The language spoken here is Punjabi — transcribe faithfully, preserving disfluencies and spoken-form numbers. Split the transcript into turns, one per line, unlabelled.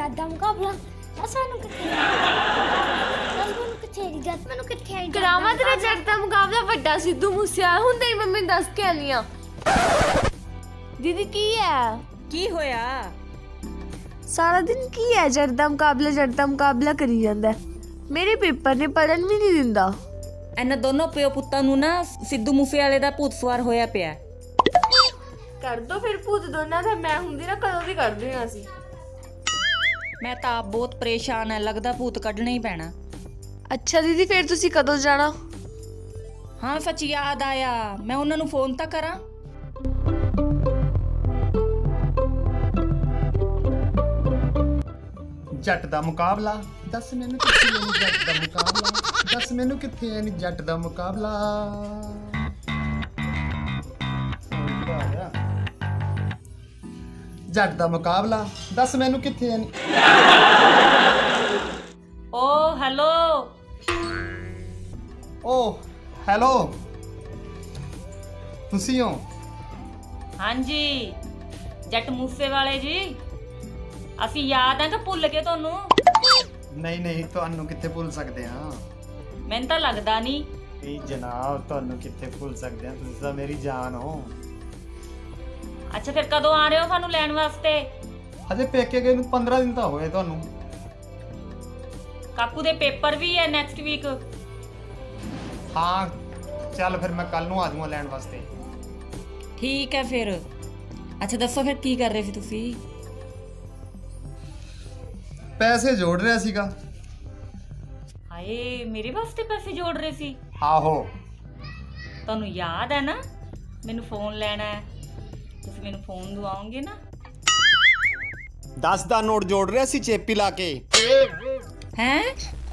ਜੱਟ ਦਾ ਮੁਕਾਬਲਾ ਦੱਸ ਮੈਨੂੰ ਕਿੱਥੇ ਦੱਸ ਮੈਨੂੰ ਕਿੱਥੇ ਦੱਸ ਮੈਨੂੰ ਕਿੱਥੇ
ਕਰਾਵਾਂ ਤੇਰਾ ਜੱਟ ਦਾ ਮੁਕਾਬਲਾ ਵੱਡਾ ਸਿੱਧੂ ਮੂਸੇਵਾਲਾ ਹੁਣ ਤੇਰੀ ਮੰਮੀ ਨੂੰ ਦੱਸ ਕੇ ਆਨੀ ਆ। ਦੀਦੀ ਕੀ ਹੈ
ਕੀ ਹੋਇਆ?
ਸਾਰਾ ਦਿਨ ਕੀ ਹੈ ਜੱਟ ਦਾ ਮੁਕਾਬਲਾ ਜੱਟ ਦਾ ਮੁਕਾਬਲਾ ਕਰੀ ਜਾਂਦਾ। ਮੇਰੇ ਪੇਪਰ ਨੇ ਪੜਨ ਵੀ ਨਹੀਂ ਦਿੰਦਾ।
ਇਹਨਾਂ ਦੋਨੋਂ ਪਿਓ ਪੁੱਤਾਂ ਨੂੰ ਨਾ ਸਿੱਧੂ ਮੂਸੇਵਾਲੇ ਦਾ ਭੂਤ ਸਵਾਰ ਹੋਇਆ ਪਿਆ।
ਕਰ ਦੋ ਫਿਰ ਭੂਤ ਦੋਨਾਂ ਦਾ। ਮੈਂ ਹੁੰਦੀ ਨਾ ਕਦੋਂ ਦੀ ਕਰਦੇ ਹਾਂ ਅਸੀਂ।
ਮੈਂ ਤਾਂ ਆਪ ਬਹੁਤ ਪਰੇਸ਼ਾਨ ਹੈ, ਲੱਗਦਾ ਭੂਤ ਕੱਢਣਾ ਹੀ ਪੈਣਾ।
ਅੱਛਾ ਦੀਦੀ ਫਿਰ ਤੁਸੀਂ ਕਦੋਂ ਜਾਣਾ?
ਹਾਂ ਸੱਚ ਯਾਦ ਆਇਆ, ਮੈਂ ਉਹਨਾਂ ਨੂੰ ਫੋਨ ਤਾਂ ਕਰਾਂ।
ਜੱਟ ਦਾ ਮੁਕਾਬਲਾ ਦੱਸ ਮੈਨੂੰ ਕਿੱਥੇ ਹੈ ਨੀ ਜੱਟ ਦਾ ਮੁਕਾਬਲਾ ਦੱਸ ਮੈਨੂੰ ਕਿੱਥੇ ਹੈ ਨੀ ਜੱਟ ਦਾ ਮੁਕਾਬਲਾ। ਜੱਟ ਦਾ ਮੁਕਾਬਲਾ ਦੱਸ ਮੈਨੂੰ ਕਿੱਥੇ ਹੈ ਨੀ।
ਓ ਹੈਲੋ
ਓ ਹੈਲੋ ਤੁਸੀਂ ਹੋ?
ਹਾਂਜੀ ਜੱਟ ਮੂਸੇਵਾਲੇ ਜੀ, ਅਸੀਂ ਯਾਦ ਆ ਕਿ ਭੁੱਲ ਗਏ ਤੁਹਾਨੂੰ?
ਨਹੀਂ ਨਹੀਂ ਤੁਹਾਨੂੰ ਕਿੱਥੇ ਭੁੱਲ ਸਕਦੇ ਹਾਂ।
ਮੈਨੂੰ ਤਾਂ ਲੱਗਦਾ ਨਹੀਂ।
ਇਹ ਜਨਾਬ ਤੁਹਾਨੂੰ ਕਿੱਥੇ ਭੁੱਲ ਸਕਦੇ ਹਾਂ, ਤੁਸੀਂ ਤਾਂ ਮੇਰੀ ਜਾਨ ਹੋ।
ਅੱਛਾ ਫਿਰ ਕਦੋਂ ਆ ਰਹੇ ਹੋ ਸਾਨੂੰ ਲੈਣ ਵਾਸਤੇ?
ਹਜੇ ਪੇਕੇ ਗਏ ਨੂੰ ਪੰਦਰਾਂ ਦਿਨ ਤਾਂ ਹੋਏ ਤੁਹਾਨੂੰ।
ਕਾਕੂ ਦੇ ਪੇਪਰ ਵੀ ਹੈ ਨੈਕਸਟ ਵੀਕ।
ਹਾਂ ਚੱਲ ਫਿਰ ਮੈਂ ਕੱਲ ਨੂੰ ਆ ਜਾਊਂਗਾ ਲੈਣ ਵਾਸਤੇ।
ਠੀਕ ਹੈ ਫਿਰ। ਅੱਛਾ ਦੱਸੋ ਫਿਰ ਕੀ ਕਰ ਰਹੇ ਸੀ ਤੁਸੀਂ?
ਪੈਸੇ ਜੋੜ ਰਿਹਾ ਸੀਗਾ।
ਹਾਏ ਮੇਰੇ ਵਾਸਤੇ ਪੈਸੇ ਜੋੜ ਰਹੇ ਸੀ?
ਆਹੋ
ਤੁਹਾਨੂੰ ਯਾਦ ਹੈ ਨਾ ਮੈਨੂੰ ਫੋਨ ਲੈਣਾ ਹੈ, ਤੁਸੀਂ ਮੈਨੂੰ ਫੋਨ ਦਵਾਓਗੇ ਨਾ?
ਦਸ ਦਾ ਨੋਟ ਜੋੜ ਰਿਹਾ ਸੀ ਚੇਪੀ ਲਾ ਕੇ।
ਹੈਂ?